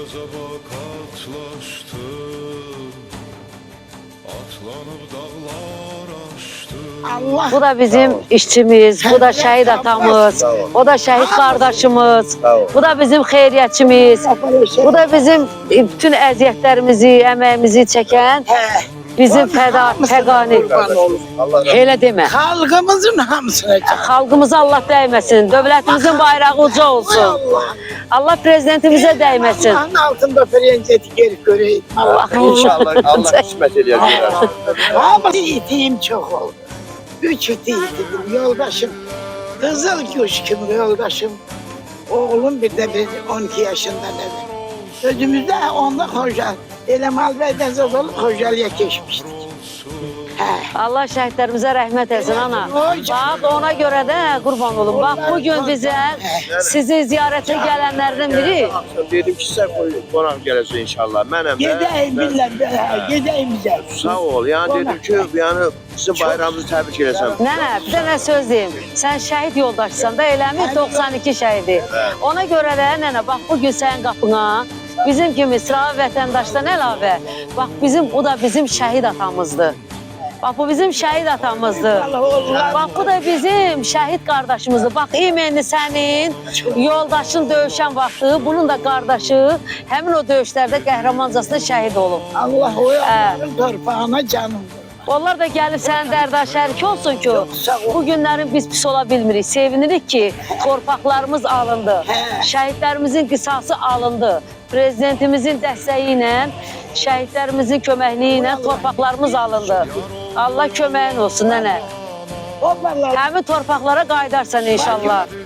Göze bak atlaştım, atlanıp dağlar aştım. Allah Bu da bizim işçimiz, bu da şehit atamız, o da şehit kardeşimiz, bu da bizim xeyriyyətçimiz, bu da bizim bütün əziyyətlərimizi, əməyimizi çəkən bizim fəqani. Elə demə. Halkımızın hamısına can. Xalqımıza Allah dəyməsin, dövlətimizin bayrağı uca olsun. Allah prezidentimizə dəyməsin. Allah'ın altında prenseti gelip göreyim. Allah. İnşallah Allah kısmet eder. Ama itiğim çok oldu. 3 itiğim yoldaşım. Kızıl Kuşkum yoldaşım. Oğlum bir de 12 yaşında dedi. Sözümüzde onda hoca. Elemal Bey'den sonra hocalığa geçmiştik. Allah şəhidlərimizə rəhmət etsin ana. Bax ona görə də qurban olun. Bax bu gün bizə sizi ziyarətə gələnlərdən biri. Dedim ki sen qonaq gələcək inşallah. Mənəm də. Gedeyim billah, gedeyim bize. Sağ ol. Yani dedim ki yani sizin bayramınızı təbrik eləsəm. Nənə, bir dənə söz deyim. Sən şəhid yoldaşsan da eləmi 92 şəhidi. Ona görə də nənə bax bu gün sənin qapına bizim kimi sıravi vətəndaşdan əlavə bax o da bizim şəhid atamızdır. Bax bu bizim şəhid atamızdır. Bax bu da bizim şəhid qardaşımızdır. Bax imenli sənin yoldaşın döyüşən vaxtı, bunun da qardaşı həmin o döyüşlərdə qəhrəmancasına şəhid olub. Allah o yolların torpağına canım. Onlar da gəlib sənin dərdə şərik olsun ki, bu günlərin biz pis ola bilmirik. Sevinirik ki, torpaqlarımız alındı. Şəhidlərimizin qisası alındı. Prezidentimizin dəstəyi ilə, şəhidlərimizin köməkliyi ilə torpaqlarımız alındı. Allah köməyin olsun nənə. Həmin torpaqlara qayıdarsan inşallah.